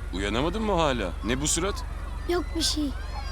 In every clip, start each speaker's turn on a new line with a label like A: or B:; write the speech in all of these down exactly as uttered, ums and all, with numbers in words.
A: Uyanamadın mı hala? Ne bu surat?
B: Yok bir şey.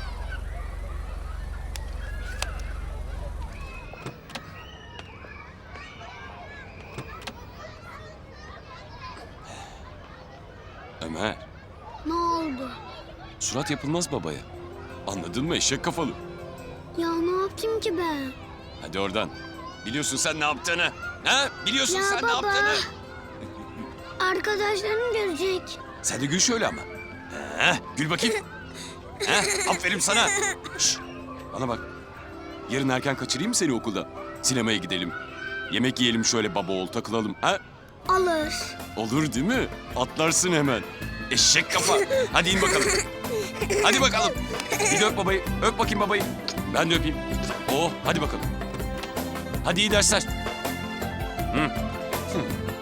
A: Ömer,
B: Ne oldu?
A: surat yapılmaz babaya. Anladın mı eşek kafalı?
B: Ya ne yaptım ki ben?
A: Hadi oradan. Biliyorsun sen ne yaptığını. Ha? Biliyorsun
B: Ya
A: sen
B: baba.
A: ne yaptığını.
B: Arkadaşlarım görecek.
A: Sen de gül şöyle ama. Ha? Gül bakayım. Ha? Aferin sana. Şş, bana bak. Yarın erken kaçırayım mı seni okulda? Sinemaya gidelim. Yemek yiyelim şöyle baba oğul takılalım. Ha?
B: Alır.
A: Olur değil mi? Atlarsın hemen. Eşek kafa. Hadi in bakalım. Hadi bakalım. Bir de öp babayı. Öp bakayım babayı. Ben de öpeyim. Oh hadi bakalım. Hadi iyi dersler. Hı. Hı.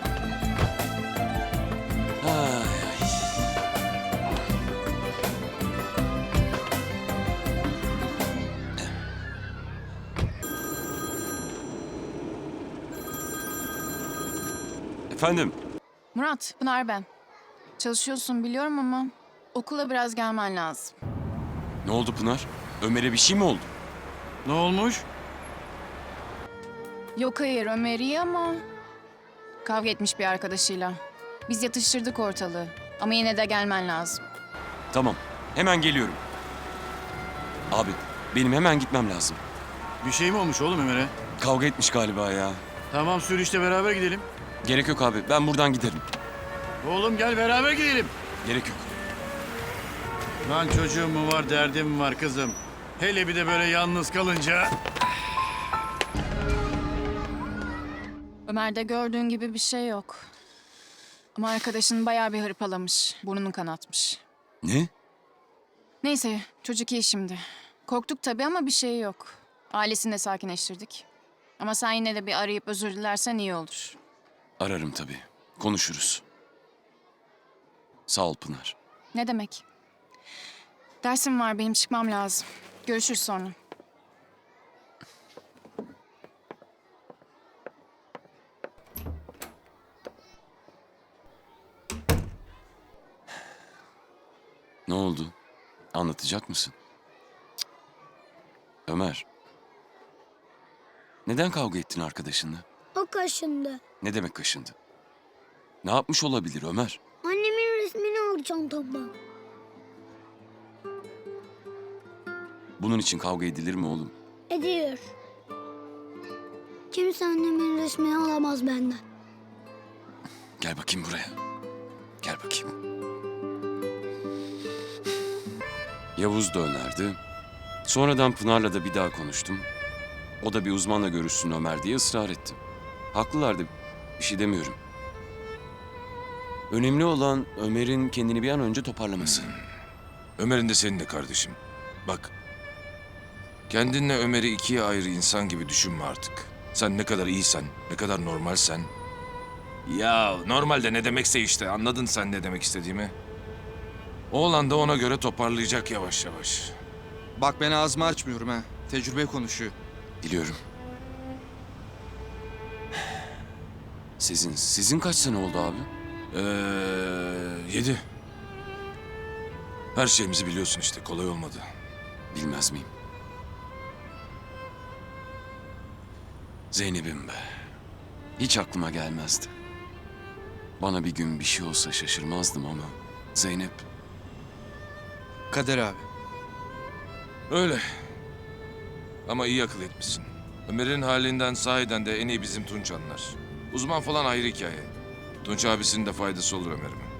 A: Ay, ay. Efendim?
C: Murat, Pınar ben. Çalışıyorsun biliyorum ama okula biraz gelmen lazım.
A: Ne oldu Pınar? Ömer'e bir şey mi oldu?
D: Ne olmuş?
C: Yok hayır Ömer iyi ama kavga etmiş bir arkadaşıyla. Biz yatıştırdık ortalığı ama yine de gelmen lazım.
A: Tamam. Hemen geliyorum. Abi benim hemen gitmem lazım.
D: Bir şey mi olmuş oğlum Ömer'e?
A: Kavga etmiş galiba ya.
D: Tamam sür işte beraber gidelim.
A: Gerek yok abi. Ben buradan giderim.
D: Oğlum gel beraber gidelim.
A: Gerek yok.
D: Lan çocuğum mu var, derdim mi var kızım? Hele bir de böyle yalnız kalınca.
C: Ömer'de gördüğün gibi bir şey yok. Ama arkadaşın bayağı bir hırpalamış, burnunu kanatmış.
A: Ne?
C: Neyse çocuk iyi şimdi. Korktuk tabii ama bir şey yok. Ailesini de sakinleştirdik. Ama sen yine de bir arayıp özür dilersen iyi olur.
A: Ararım tabii. Konuşuruz. Sağ ol Pınar.
C: Ne demek? Dersim var benim çıkmam lazım. Görüşürüz sonra.
A: Ne oldu? Anlatacak mısın? Cık. Ömer. Neden kavga ettin arkadaşınla?
B: O kaşındı.
A: Ne demek kaşındı? Ne yapmış olabilir Ömer?
B: Annemin resmini aldı çantamdan.
A: Bunun için kavga edilir mi oğlum?
B: Ediyor. Kimse annemin resmini alamaz benden.
A: Gel bakayım buraya. Gel bakayım. Yavuz da önerdi. Sonradan Pınar'la da bir daha konuştum. O da bir uzmanla görüşsün Ömer diye ısrar etti. Haklılardı. Bir şey demiyorum. Önemli olan Ömer'in kendini bir an önce toparlaması.
E: Ömer'in de senin de kardeşim. Bak, kendinle Ömer'i ikiye ayrı insan gibi düşünme artık. Sen ne kadar iyisen, ne kadar normalsen... Ya normalde ne demekse işte, anladın sen ne demek istediğimi. Oğlan da ona göre toparlayacak yavaş yavaş.
F: Bak ben ağzımı açmıyorum ha. Tecrübe konuşuyor.
A: Biliyorum. Sizin, sizin kaç sene oldu abi?
E: Ee, yedi. Her şeyimizi biliyorsun işte, kolay olmadı.
A: Bilmez miyim? Zeynep'im be. Hiç aklıma gelmezdi. Bana bir gün bir şey olsa şaşırmazdım ama Zeynep...
F: Kader abi.
E: Öyle. Ama iyi akıl etmişsin. Ömer'in halinden sahiden de en iyi bizim Tunç anlar. Uzman falan ayrı hikaye. Tunç abisinin de faydası olur Ömer'ime.